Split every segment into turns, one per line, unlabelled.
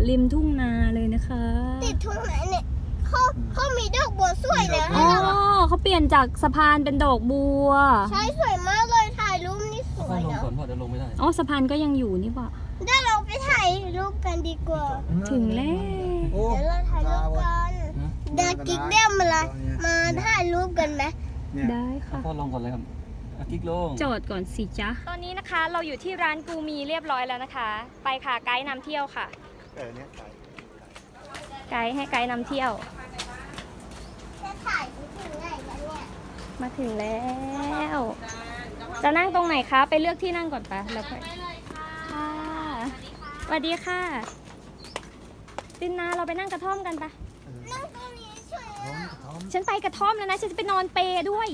ริมทุ่งนาเลยนะคะ
ติดทุ่งนาเนี่ยเขามีดอกบัวสวยนะ
อ๋อเขาเปลี่ยนจากสะพานเป็นดอกบัว
ใช่สวยมากเลยถ่ายรูปนี่สวย
ลง
นะ
ก่อนพอจะลงไม่ได้
อ๋อสะพานก็ยังอยู่นี่ป่ะ
เดี๋ยวเราไปถ่ายรูปกันดีกว่า
ถึงแล้ว
โอ้
เดี๋ยวเราถ่ายรูปกันเดี๋ยวกิ๊กเบี้ยมาถ่ายรูปกันไหม
ได้ค่ะ
พ่อลงก่อนเลยครับกิ๊กลง
จอดก่อนสิจ๊ะตอนนี้นะคะเราอยู่ที่ร้านกูมีเรียบร้อยแล้วนะคะ ไปค่ะไกด์นำเที่ยวค่ะ
เนี่ยใส่
ไกด์ให้ไกด์นำเที่ยว
จะถ่ายไปถึงไหนกันเนี่ย
มาถึงแล้ว จะนั่งตรงไหนคะ ไปเลือกที่นั่งก่อนปะแล้วค่อยค่ะสวัสดีค่ะตินนาเราไปนั่งกระท่อมกันปะ
นั่งตรงนี้สวยอะ
ฉันไปกระท่อมแล้วนะฉันจะไปนอนเปรด้วย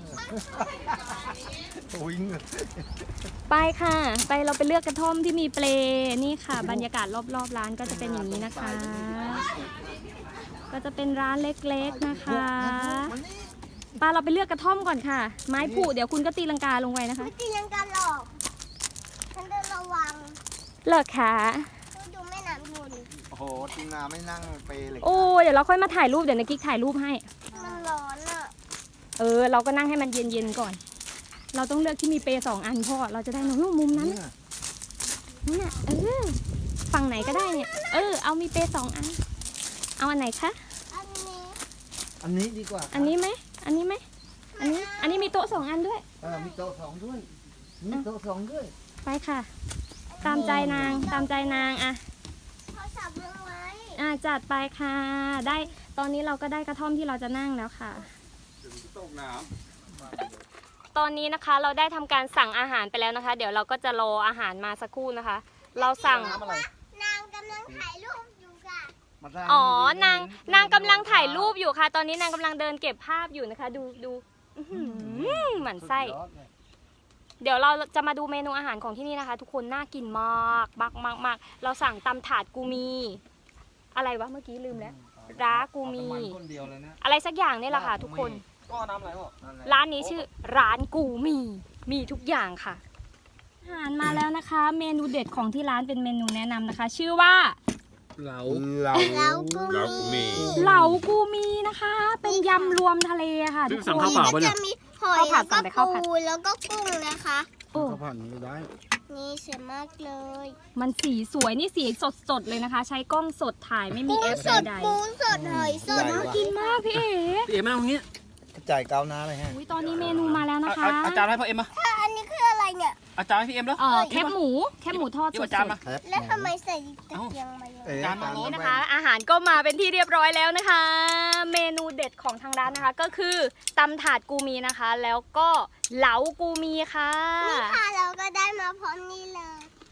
วิ่ง
ไปค่ะ ไปเราไปเลือกกระท่อมที่มีเปลนี่ค่ะ บรรยากาศรอบๆร้านก็จะเป็นอย่างนี้นะคะ ก็จะเป็นร้านเล็กๆนะคะป้าเราไปเลือกกระท่อมก่อนค่ะ ไม้ผุเดี๋ยวคุณก็ตีลังกาลงไปนะคะ
ไม่ตียังกันหรอกฉันจะระวัง
เลิกค่ะ
ดูแม่น้ำยุน
โอ้โหทีมงานไม่นั่งเปเลย
โอ้เดี๋ยวเราค่อยมาถ่ายรูปเดี๋ยวนะกิ๊กถ่ายรูปให้
มันร้อนอ่ะ
เราก็นั่งให้มันเย็นๆก่อน เราต้องเลือกที่มีเปร2 อันพ่อเราจะได้นอนมุมนั้นน่ะนั่นน่ะฝั่งไหนก็ได้เนี่ย เอามีเปร2 อัน เอาอันไหนคะ
อันนี้
อันนี้ดีกว่า
อันนี้ไหม อันนี้ไหม อันนี้มีโต๊ะ2 อันด้วย
มีโต๊ะสองด้วยมีโต๊ะสองด้วย
ไปค่ะ ตามใจนาง ตามใจนางอ่ะ
เขาสับเรื่องไว้
จัดไปค่ะ ได้ ตอนนี้เราก็ได้กระท่อมที่เราจะนั่งแล้วค่ะ
ตกน้
ตอนนี้นะคะเราได้ทำการสั่งอาหารไปแล้วนะคะ เดี๋ยวเราก็จะรออาหารมาสักครู่นะคะ เราสั่ง
น้ำอะไร
นางกำลังถ่ายรูปอยู่ค่ะ
นางกำลังถ่ายรูปอยู่ค่ะ ตอนนี้นางกำลังเดินเก็บภาพอยู่นะคะ ดูอื้อหือหมั่นไส้ เดี๋ยวเราจะมาดูเมนูอาหารของที่นี่นะคะ ทุกคนน่ากินมากมากเราสั่งตำถาดกูมี อะไรวะเมื่อกี้ลืมแล้วร้ากูมี
คนเดียวเลยนะ
อะไรสักอย่างนี่แหละค่ะ ทุกคน
ก็น้ำอะไรพ่อ
ร้านนี้ชื่อร้านกูมีทุกอย่างค่ะอาหารมาแล้วนะคะ เมนูเด็ดของที่ร้านเป็นเมนูแนะนำนะคะ ชื่อว่า
เหลา
แล้วก็มี
เหลากูมีนะคะ เป็นยำรวมทะเลค่ะทุกคน
ก็จะมีหอย
ข้าวผั
แล้
ด
ว
สั่งแต่
ก็
ข้าวผัด
ปูแล้วก็กุ้งนะคะ
โอ้
ข้าวผัดนี้ได้
นี่สวยมากเลย
มันสีสวยนี่สีสดเลยนะคะ ใช้กล้องสดถ่ายไม่มี
กุ้ง
เอฟ
สด
ใด
ปูสดหอยสด
ๆน่ากินมากพี่เอ๋
พี่เอ็มมาตรงนี้
กระจายก้าวหน้าเลยฮะ
อุ๊ยตอนนี้เมนูมาแล้วนะคะ
อาจารย์ให้พ่อเอ็มมา
อันนี้คืออะไรเนี่ย
อาจารย์ให้พี่เอ็มแล้ว
แคบหมูทอด
เดี๋ยว
ส
อาจาร
ด
ย์มา
แล้วทำไมใส่ตะเกียงมาเยอะ
จานมา
ๆนี้นะคะ อาหารก็มาเป็นที่เรียบร้อยแล้วนะคะ เมนูเด็ดของทางร้านนะคะ ก็คือตำถาดกูมีนะคะ แล้วก็เหลากูมีค่ะ
นี่ค่ะเราก็ได้มาพร้อมนี่เลย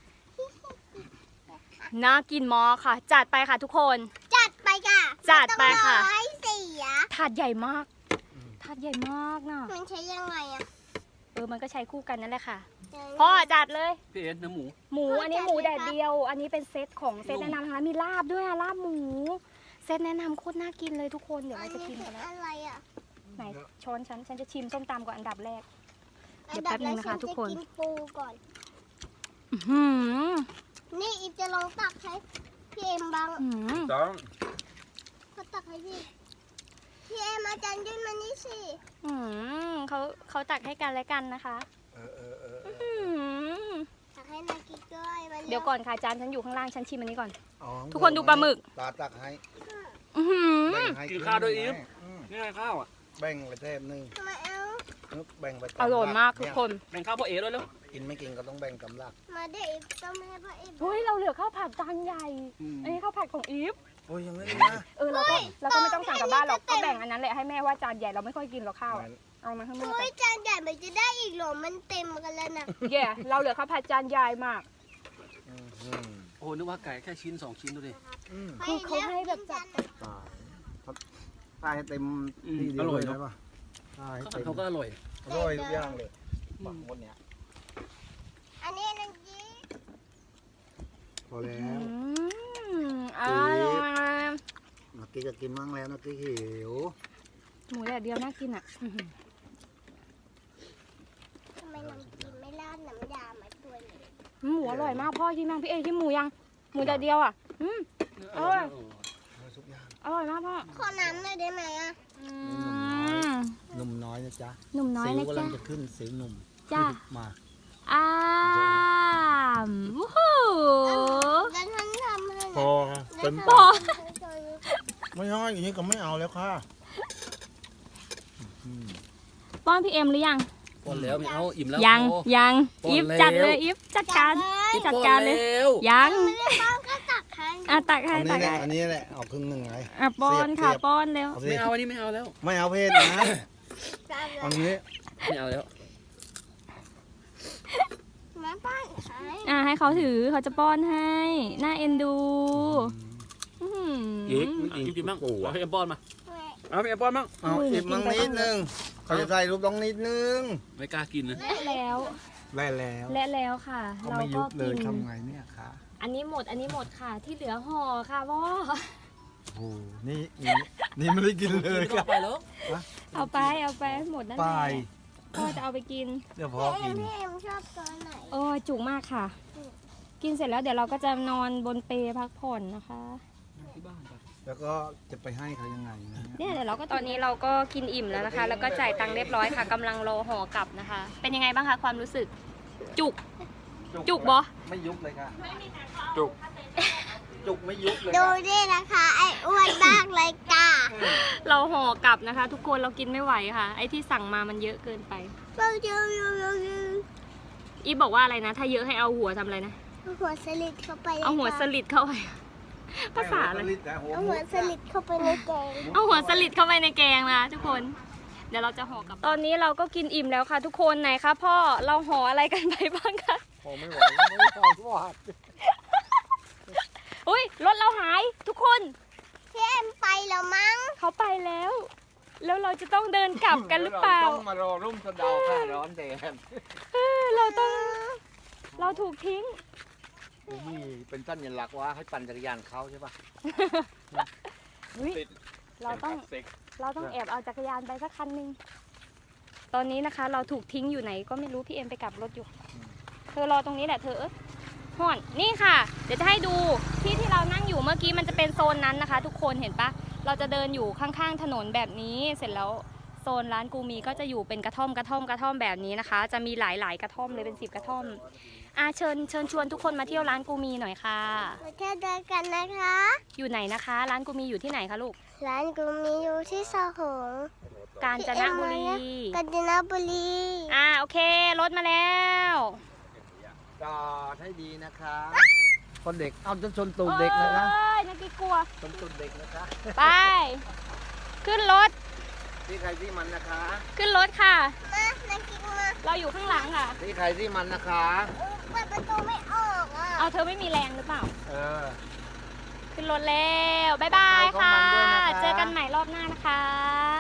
น่ากินมากค่ะ จัดไปค่ะทุกคน
จัดไปค่ะ
จัดไปค่ะ
ม่ต้องรอให้เสีย
ถาดใหญ่มาก ถาดใหญ่มากนะ
มันใช้ยังไงอ่ะ
มันก็ใช้คู่กันนั่นแหละค่ะ
เดี๋ยว
พ่อจัดเลย
พี่เอ็มเนื้อหมู
หมูอันนี้หมูแดดเดียว อันนี้เป็นเซตของเซตแนะนำนะคะมีลาบด้วยอะลาบหมู เซตแนะนำโคตรน่ากินเลยทุกคนเดี๋ยว
อั
เรา
น
จะ
นี้
ชิม
คื
กันแล้ว
อะไรอ่ะ
ไหนช้อนฉันจะชิมส้มตำก่อนอันดับแรก เดี๋ยวแป๊บนึงนะคะทุกคน
อัดับแรฉัจะกินปูก่อน
อื้อหือ
นี่อีฟจะลองตักให้พี่เอ็มบ้าง
อื้อหือ
ต้อง
เขาตักให้พี่ พี่เอ็มอาจารย์ยื่นมานี่สิ
เขาตักให้กันและกันนะคะอื้อหือ
ตักให้นากิกด้วยมา
เดี๋ยวก่อนค่ะจานฉันอยู่ข้างล่างฉันชิมอันนี้ก่อน
อ๋อ
ทุกคนดูปลาหมึก
ตาตักให้
อื้อหือ
แบ่งให้
กินข้าวด้วยอีฟ
อืม
นี่ไงข้าวอ่ะ
แบ่งไปแทบนึง
มาเอา
แบ่งไปต
อร่อยมากทุกคน
แบ่งข้าวพ่อเอ๋ด้วยแล้ว
กินไม่กินก็ต้องแบ่งกำลัก
มาเดี๋ยวอีฟต้องให้พ่อเอ็ม
เฮ้ยเราเหลือข้าวผัดจานใหญ่ อันนี้ข้าวผัดของอีฟ
โอ้ยยังไม่ได้นะ
เราก็ไม่ต้องสั่งกลับบ้านหรอกก็แบ่งอันนั้นแหละให้แม่ว่าจานใหญ่เราไม่ค่อยกินหรอกข้าวอะเอามาข้างนอก
โอ้ยจานใหญ่มันจะได้อีกเหรอมันเต็มกันแล้วนะ
แย่เราเหลือข้าวผัดจานใหญ่มาก
อืม
โอ้นึกว่าไก่แค่ชิ้น2 ชิ้นดูดิ
อืม
คือเขาให้แบบจัด
ตายให้เต็มที่เดียวเลยได้ปะตายให้เต็ม
เขาก็อร่อย
อร่อยทุกอย่างเลยฝั่งบนเนี้ย
อันนี้นังจี
พอแล้ว
อร่อย
เมื่อกี้ก็กินมั่งแล้วเมื่อกี้หิว
หมูแดดเดียวน่ากินอ่ะ
ทำไมนังจีไม่ราดน้ำยามาตัวเลย
หมูอร่อยมากพ่อชิมยังพี่เอชิมหมูยังหมูแดดเดียวอ่ะอร่อย
ทุกอย่าง
อร่อยมากพ่อ
ขอน้ำหน่อยได้ไหมอ่ะ
อืม
หนุ่มน้อยนะจ๊ะ
หนุ่มน้อย
สิว
นะ
กำลั
จ๊ะ
งจะขึ้นสิวหนุ่ม
จ้า
มา
วู้ฮู้
แล้วท่านทำให้
พอเต็ม
พอ
ไม่ใช่อย่างนี้ก็ไม่เอาแล้วค่ะ
ป้อนพี่เอ็มหรือยัง
ป้อนแล้วไม่เอาอิ่มแล้ว
ยัง
โอ้
ยัง
ป้อน
อีฟ
แล้ว
จัดเลยอีฟจัดการ
อิ่ม
จัดการเลย
ป้อนแล้ว
ยัง
ไม่ได้ป้อนก็ตักให้
อ่ะตักให้
อัน
ตั
นี้
ก
แหละ
ให้
อันนี้แหละเอาครึ่งหนึ่งไง
อ่ะป้อนค่ะ
เสียบ
ป้อนเร็ว
เอาสิ
ไม่เอาอันนี้ไม่เอาแล้ว
ไม่เอาเพศนะ อันนี้
ไม่เอาแล้ว
มาป้อนให้
อ่ะให้เขาถือเขาจะป้อนให้น่าเอ็นดูอื้อหือ
อิ่มกินบ้างเอาให้เอ็มป้อนมาเอาให้เอ็มป้อนบ้าง
เอาอีกมั่งนิดนึงเขาจะใส่รูปต้องนิดนึง
ไม่กล้ากินนะ
และแล้ว
ได้แล้ว
และแล้วค่ะ
เขา
เรา
ไม่ยุ
ก็
บเลย
กิน
ทำไงเนี่ยคะ
อันนี้หมดค่ะ ที่เหลือห่อค่ะพ่อ
โอ้โหนี่ไม่ได้กินเลย
ไม่ต้องไปแล้ว
เอาไปหมดนั่นแห
ไป
ละพ่อจะเอาไปกิน
เดี๋ยวพอกิน
พี่เอ็มชอบตัวไหน
โอ้ยจุกมากค่ะ กินเสร็จแล้วเดี๋ยวเราก็จะนอนบนเปลพักผ่อนนะคะ
ที่บ้านไป
แล้วก็จะไปให้เขายังไงนะ
เนี่ยเดี๋ยวเราก็ตอนนี้เราก็กินอิ่มแล้วนะคะ แล้วก็จ่ายตังค์เรียบร้อยค่ะกำลังรอห่อกลับนะคะ เป็นยังไงบ้างคะความรู้สึก จุกบอ
ไม่ยุบเลยค่ะจุกไม่ยุบเลย
ดูดินะคะไอ้อ้วนมากเลยจ้า
เราห่อกลับนะคะ ทุกคนเรากินไม่ไหวค่ะ ไอ้ที่สั่งมามันเยอะเกินไป
เราดู
อีฟบอกว่าอะไรนะ ถ้าเยอะให้เอาหัวทำอะไรนะ
หัวสลิดเข้าไป
เอาหัวสลิดเข้าไป ภาษาอะไร
เอาหัวสลิดเข้าไปในแกง
เอาหัวสลิดเข้าไปในแกงนะทุกคน เดี๋ยวเราจะห่อกลับ ตอนนี้เราก็กินอิ่มแล้วค่ะทุกคนไหนคะพ่อ เราห่ออะไรกันไปบ้างคะ
พอไม่ไหวไม่พอวาด
อุ้ยรถเราหายทุกคน
พี่เอ็มไปแล้วมั้ง
เขาไปแล้ว แล้วเราจะต้องเดินกลับกันหรือเปล่า
ต้องมารอร่มสะเดาค่ะร้อนแดด
เราถูกทิ้ง
นี่เป็นสัญลักษณ์ว่าให้ปั่นจักรยานเขาใช่ปะ
อุ๊ยเราต้องแอบเอาจักรยานไปสักคันหนึง ตอนนี้นะคะ เราถูกทิ้งอยู่ไหนก็ไม่รู้พี่เอ็มไปกลับรถอยู่ เธอรอตรงนี้แหละเธอห่อนนี่ค่ะ เดี๋ยวจะให้ดูที่เรานั่งอยู่เมื่อกี้มันจะเป็นโซนนั้นนะคะ ทุกคนเห็นปะเราจะเดินอยู่ข้างๆถนนแบบนี้เสร็จแล้วโซนร้านกูมีก็จะอยู่เป็นกระท่อมแบบนี้นะคะ จะมีหลายๆกระท่อมเลยเป็น10กระท่อมเชิญชวนทุกคนมาเที่ยวร้านกูมีหน่อยค่ะ
มาเที่ยวด้วยกันนะคะ
อยู่ไหนนะคะ ร้านกูมีอยู่ที่ไหนคะลูก
ร้านกูมีอยู่ที่สหง
กาญจนบุรี
กาญจนบุรี
โอเครถมาแล้ว
จอดให้ดีนะคะคนเด็กเอาจนชนตูดเด็กนะคะ
เอ้ยนักกีกลัว
ชนตูดเด็กนะคะ
ไป ขึ้นรถ
ที่ใครที่มันนะคะ
ขึ้นรถค่ะ
มานากินมา
เราอยู่ข้างหลังค่ะ
ที่ใครที่มันนะคะ
เปิดประตูไม่ออกอ่ะ
เอาเธอไม่มีแรงหรือเปล่า
เออ
ขึ้นรถแล้วบ๊ายบายค่ะ
ไปของมันด้วยนะคะ
เจอกันใหม่รอบหน้านะคะ